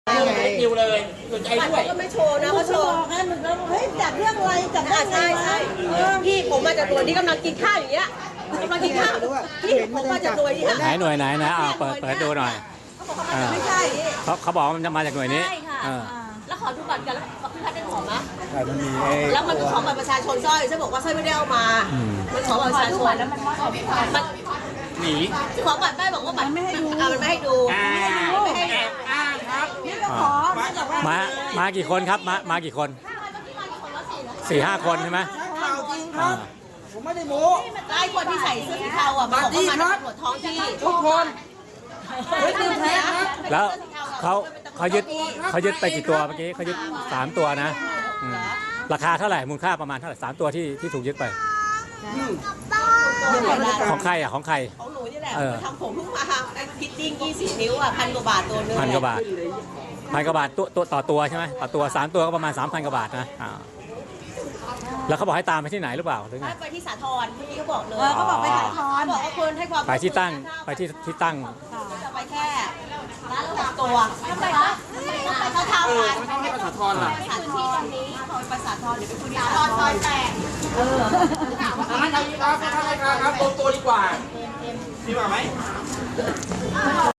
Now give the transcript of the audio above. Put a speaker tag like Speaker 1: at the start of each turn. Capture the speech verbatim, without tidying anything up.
Speaker 1: คิวเลยสนใจด้วย
Speaker 2: ก็ไม่โชว์นะเขาโชว์ให้มันแล้วเฮ้ยจัดเรื่องอะไรจัดอ่าใช่ใช่พี่ผมมาจากตัวนี้กำลังกินข้าวอย่างเงี้ยกำลังกินข้าวพี่ผมมาจากตัวนี้ค่ะ
Speaker 3: ไหนหน่วยไหนนะอ่าเปิดเปิดดูหน่อย
Speaker 2: ไม่ใช่
Speaker 3: เขาเขาบอกมันจะมาจากหน่วยนี้
Speaker 2: ใช่ค่ะแล้วขอดูบัตรกันแล้วพี่พัดได้ขอไหม
Speaker 4: มันมี
Speaker 2: แล้วมันขอบัตรประชาชนสร้อยฉันบอกว่าสร้อยไม่ได้เอามามันขอบัตรประชาชนแล้วมันมัน
Speaker 1: หนี
Speaker 2: ขอบัตรได้บอกว่าบัตรไม่ให้ดูอ่ามันไม่ให้ดู
Speaker 1: อ่า
Speaker 2: ไม่ให้
Speaker 1: แอบอ้างครับ
Speaker 3: มามากี่คนครับมามากี่คนสี่ห้าคนใช่ไหม
Speaker 4: ข่าวจริงครับผมไม่ได้โม้
Speaker 2: ไล่คนที่ใส่เสื้อสีเทาอ่ะมันบอกว่ามาจากตำรวจท้องที่
Speaker 4: ทุกคนไม่ตื่นแท้ครับ
Speaker 3: แล้วเขาเขายึดเขายึดไปกี่ตัวเมื่อกี้เขายึดสามตัวนะอืมราคาเท่าไหร่มูลค่าประมาณเท่าไหร่สามตัวที่ที่ถูกยึดไปของใครอ่ะของใคร
Speaker 2: ของหนูนี่แหละ
Speaker 3: เออ
Speaker 2: ทำผมเพิ่งมาไอ้พิตติ้งยี่สิบนิ้วอ่ะพันกว่าบาทตัวนึง
Speaker 3: พันกว่าบาทพันกว่าบาทตัวตัวต่อตัวใช่ไหมต่อตัวสามตัวก็ประมาณสามพันกว่าบาทนะอ่าแล้วเขาบอกให้ตามไปที่ไหนหรือเปล่าหรือไง
Speaker 2: ไปที่สาทรพี่เขาบอกเลย
Speaker 3: เขาบอกไปสาธร
Speaker 2: บอกว่าคนให้ความ
Speaker 3: ไปที่ตั้งไปที่ที่ตั้ง
Speaker 2: จะไปแค่ร้านละตัวทำไมคะไปเขาทำ
Speaker 1: เออ
Speaker 2: กัน
Speaker 1: ไม่ต้องให้ภาษาทรล่ะ
Speaker 2: ไปสาทรนี้เขาไปสาทรเดี๋ยวไปคุยที่สาทรซอยแปดเออ
Speaker 1: ท่านนายครับท่านนายครับรวมตัวดีกว่าพี่มาไหม